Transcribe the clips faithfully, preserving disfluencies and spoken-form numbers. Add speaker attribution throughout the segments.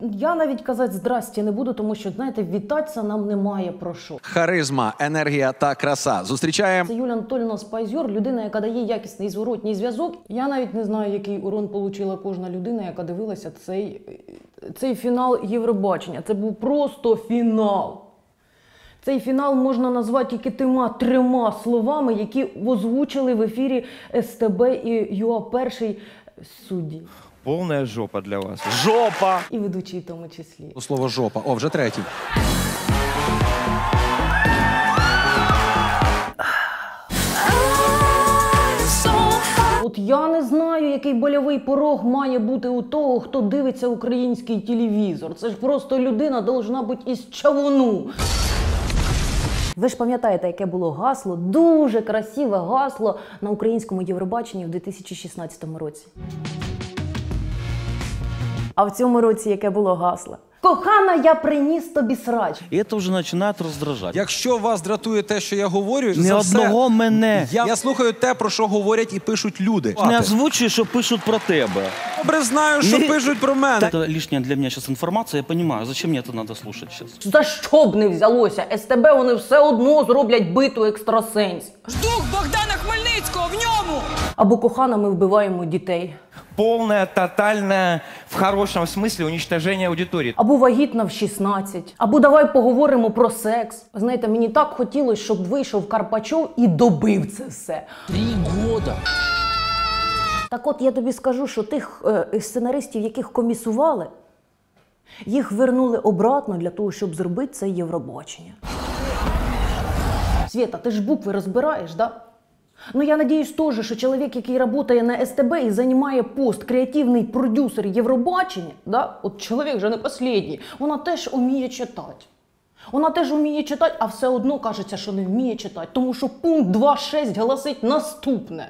Speaker 1: Я навіть казати здрасті не буду, тому що, знаєте, вітатися нам немає про що.
Speaker 2: Харизма, енергія та краса. Зустрічаємо.
Speaker 1: Це Юлія Анатоліївна Спайзер, людина, яка дає якісний зворотній зв'язок. Я навіть не знаю, який урон отримала кожна людина, яка дивилася цей, цей фінал Євробачення. Це був просто фінал. Цей фінал можна назвати тільки тима трьома словами, які озвучили в ефірі ес те бе і ю а Перший судді.
Speaker 3: Повна жопа для вас.
Speaker 2: Жопа!
Speaker 1: І ведучий в тому числі.
Speaker 2: Слово жопа. О, вже третій.
Speaker 1: От я не знаю, який больовий порог має бути у того, хто дивиться український телевізор. Це ж просто людина должна бути із чавуну. Ви ж пам'ятаєте, яке було гасло, дуже красиве гасло на українському Євробаченні в дві тисячі шістнадцятому році. А в цьому році яке було гасло? Кохана, я приніс тобі срач.
Speaker 4: І це вже починає роздражати.
Speaker 2: Якщо вас дратує те, що я говорю,
Speaker 4: Не
Speaker 2: за
Speaker 4: одного
Speaker 2: все,
Speaker 4: мене.
Speaker 2: Я, я слухаю те, про що говорять і пишуть люди.
Speaker 4: Не озвучуй, що пишуть про тебе.
Speaker 2: Добре знаю, що
Speaker 4: Не...
Speaker 2: пишуть про мене.
Speaker 4: Це лишня для мене зараз інформація, я розумію, зачем мені це треба слухати зараз.
Speaker 1: За що б не взялося? ес те бе вони все одно зроблять битву екстрасенсів.
Speaker 5: Дух Богдана Хмельницького в ньому!
Speaker 1: Або кохана, ми вбиваємо дітей.
Speaker 3: Повне, тотальне, в хорошому смислі, уничтоження аудиторії.
Speaker 1: Або вагітна в шістнадцять. Або давай поговоримо про секс. Знаєте, мені так хотілося, щоб вийшов Карпачов і добив це все.
Speaker 6: Три года.
Speaker 1: Так от я тобі скажу, що тих е, сценаристів, яких комісували, їх вернули обратно для того, щоб зробити це Євробачення. Свєта, ти ж букви розбираєш, да? Ну, я надіюсь теж, що чоловік, який працює на ес те бе і займає пост креативний продюсер Євробачення, да? От чоловік же не останній, вона теж вміє читати. Вона теж вміє читати, а все одно кажеться, що не вміє читати, тому що пункт два шість голосить наступне.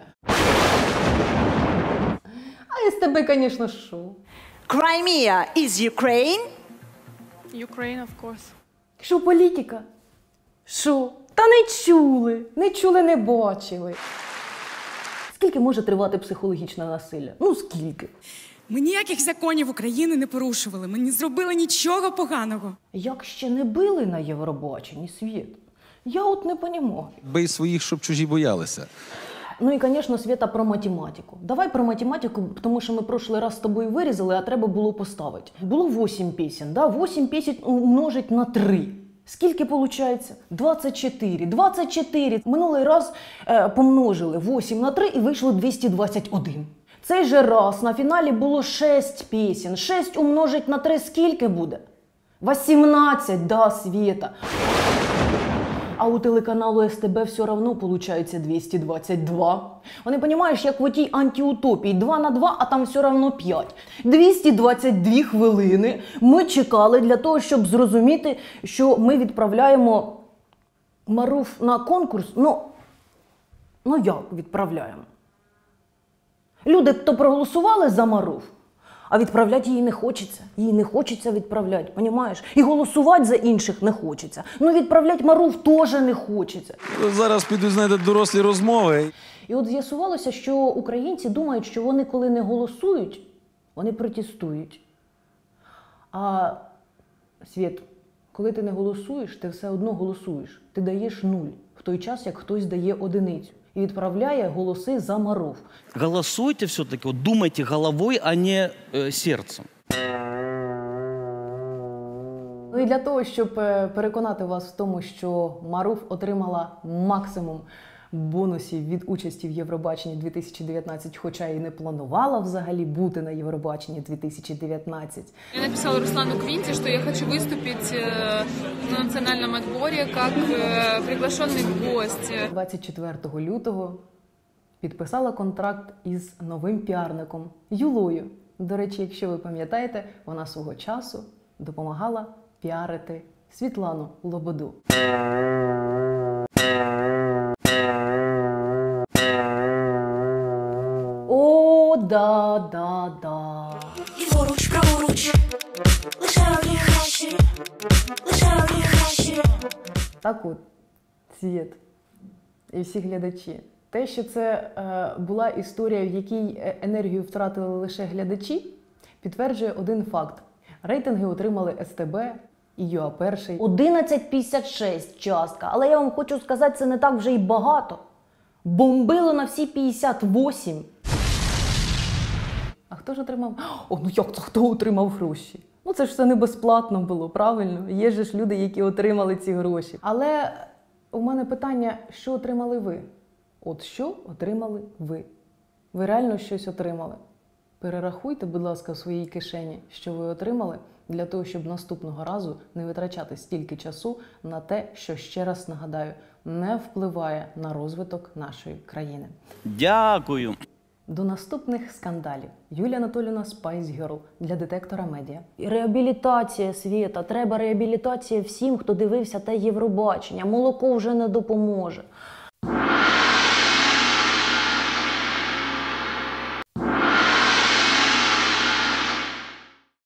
Speaker 1: А ес те бе, звісно, що?
Speaker 7: Crimea is Ukraine?
Speaker 5: Ukraine, of course.
Speaker 1: Що політика? Що? Та не чули, не чули, не бачили. Скільки може тривати психологічне насилля? Ну, скільки?
Speaker 5: Ми ніяких законів України не порушували, ми не зробили нічого поганого.
Speaker 1: Як ще не били на Євробаченні, Світ? Я от не понімаю.
Speaker 2: Бий своїх, щоб чужі боялися.
Speaker 1: Ну і, звісно, Світа, про математику. Давай про математику, тому що ми прошлий раз з тобою вирізали, а треба було поставити. Було вісім пісень, да? вісім пісень умножить на три. Скільки виходить? двадцять чотири. двадцять чотири. Минулий раз е, помножили вісім на три і вийшло двісті двадцять один. Цей же раз на фіналі було шість пісень. шість умножить на три скільки буде? вісімнадцять, да, Світа. А у телеканалу ес те бе все одно виходить двісті двадцять два. Вони, розумієш, як в отій антиутопії, два на два, а там все одно п'ять. двісті двадцять дві хвилини ми чекали для того, щоб зрозуміти, що ми відправляємо Маруф на конкурс. Ну, ну як відправляємо? Люди, хто проголосували за Маруф, а відправляти її не хочеться. Її не хочеться відправляти, розумієш? І голосувати за інших не хочеться. Ну відправляти Маруф теж не хочеться.
Speaker 2: Зараз підуть, знаєте, дорослі розмови.
Speaker 1: І от з'ясувалося, що українці думають, що вони коли не голосують, вони протестують. А, Світ, коли ти не голосуєш, ти все одно голосуєш. Ти даєш нуль, в той час, як хтось дає одиницю. І відправляє голоси за Маруф.
Speaker 4: Голосуйте все-таки, вот думайте головой, а не э, сердцем.
Speaker 1: Ну і для того, щоб переконати вас в тому, що Маруф отримала максимум бонусів від участі в Євробаченні дві тисячі дев'ятнадцять, хоча і не планувала взагалі бути на Євробаченні дві тисячі дев'ятнадцять.
Speaker 8: Я написала Руслану Квинте, что я хочу выступить на национальном отборе как приглашенный гость.
Speaker 1: двадцять четвертого лютого підписала контракт із новим піарником Юлою. До речі, якщо ви пам'ятаєте, вона свого часу допомагала піарити Світлану Лободу. О, да, да, да.
Speaker 9: Ліворуч, праворуч, лише одні хащі, лише одні хащі.
Speaker 1: Так от, Світ і всі глядачі. Те, що це е, була історія, в якій енергію втратили лише глядачі, підтверджує один факт. Рейтинги отримали ес те бе і ю а перший. одинадцять п'ятдесят шість частка. Але я вам хочу сказати, це не так вже й багато. Бомбило на всі п'ятдесят вісім. А хто ж отримав? О, ну як це хто отримав гроші? Ну це ж все не безплатно було, правильно? Є ж люди, які отримали ці гроші. Але у мене питання, що отримали ви? От що отримали ви? Ви реально щось отримали? Перерахуйте, будь ласка, в своїй кишені, що ви отримали, для того, щоб наступного разу не витрачати стільки часу на те, що, ще раз нагадаю, не впливає на розвиток нашої країни.
Speaker 4: Дякую.
Speaker 1: До наступних скандалів. Юлія Анатоліївна Spice Girl для детектора медіа. Реабілітація, Свєта. Треба реабілітація всім, хто дивився те Євробачення. Молоко вже не допоможе.